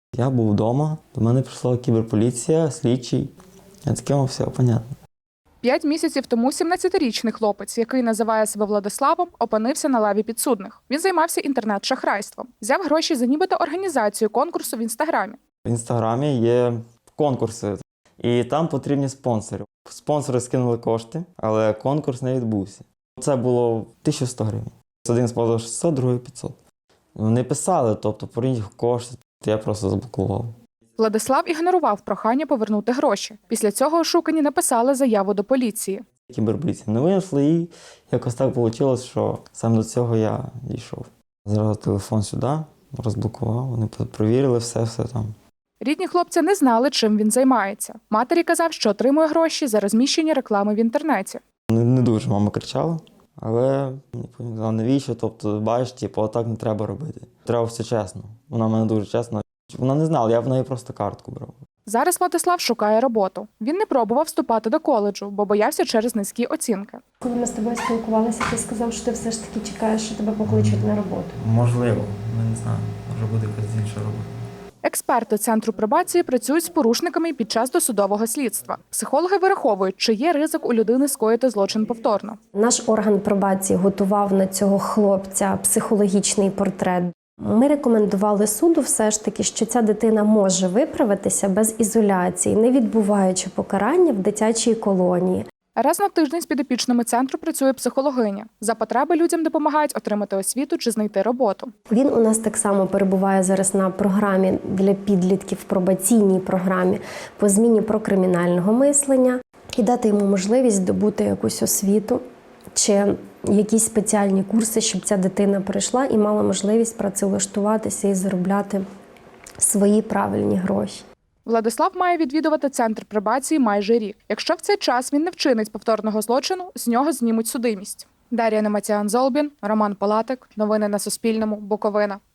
Я був вдома, до мене прийшла кіберполіція, слідчий. Я таким все, понятно. 5 місяців тому 17-річний хлопець, який називає себе Владиславом, опинився на лаві підсудних. Він займався інтернет-шахрайством. Взяв гроші за нібито організацію конкурсу в Інстаграмі. В Інстаграмі є конкурси, і там потрібні спонсори. Спонсори скинули кошти, але конкурс не відбувся. Це було 1100 гривень. Один спонсор 600, другий 500. Вони писали, тобто поверніть кошти, я просто заблокував. Владислав ігнорував прохання повернути гроші. Після цього ошукані написали заяву до поліції. Кіберполіція не винайшли, і якось так вийшло, що саме до цього я дійшов. Зразу телефон сюди, розблокував, вони провірили все там. Рідні хлопця не знали, чим він займається. Матері казав, що отримує гроші за розміщення реклами в інтернеті. Не дуже мама кричала, але не пам'ятала, навіщо, тобто, бачиш, отак не треба робити. Треба все чесно. Вона в мене дуже чесна. Вона не знала, я в неї просто картку брав. Зараз Владислав шукає роботу. Він не пробував вступати до коледжу, бо боявся через низькі оцінки. Коли ми з тобою спілкувалися, ти сказав, що ти все ж таки чекаєш, що тебе покличуть на роботу. Можливо, я не знаю, може буде якась інша робота. Експерти Центру пробації працюють з порушниками під час досудового слідства. Психологи вираховують, чи є ризик у людини скоїти злочин повторно. Наш орган пробації готував на цього хлопця психологічний портрет. Ми рекомендували суду все ж таки, що ця дитина може виправитися без ізоляції, не відбуваючи покарання в дитячій колонії. Раз на тиждень з підопічними центру працює психологиня. За потреби людям допомагають отримати освіту чи знайти роботу. Він у нас так само перебуває зараз на програмі для підлітків, пробаційній програмі по зміні прокримінального мислення і дати йому можливість здобути якусь освіту чи якісь спеціальні курси, щоб ця дитина прийшла і мала можливість працевлаштуватися і заробляти свої правильні гроші. Владислав має відвідувати Центр пробації майже рік. Якщо в цей час він не вчинить повторного злочину, з нього знімуть судимість. Дар'я Немацян-Золбін, Роман Палатик. Новини на Суспільному. Буковина.